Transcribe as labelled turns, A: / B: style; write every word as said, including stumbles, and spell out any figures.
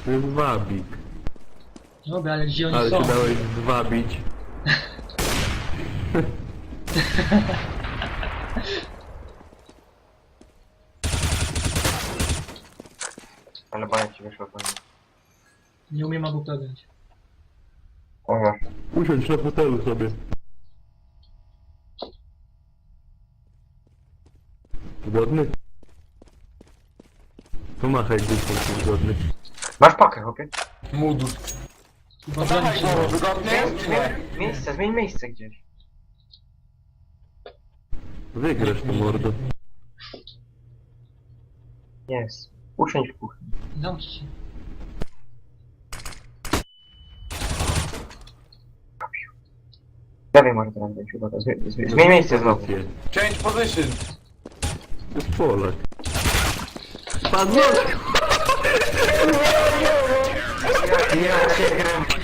A: To jest wabik.
B: Dobra, ale gdzie oni
A: Ale
B: są?
A: się dałeś zwabić.
C: Ale bania ci wyszło pewnie.
B: Nie umiem albo podać.
C: O ja.
A: Usiądź na fotelu sobie. Zgodny? Pomachaj dupą, czy zgodny.
C: Masz pakę, chłopie?
D: Mudu.
B: Chyba broni się.
D: Kurwa, wygodny jest czy nie?
C: Miejsce, zmień miejsce gdzieś.
A: Wygrasz to mordo.
C: Jest. Usiądź w kuchni.
B: Zamknij się.
C: Lewej masz teraz dać uwaga. Zmi- zmi- Zmień miejsce znowu.
A: Pozycję.
D: Change position.
A: To jest Polak. Pan
C: Ja cię gram.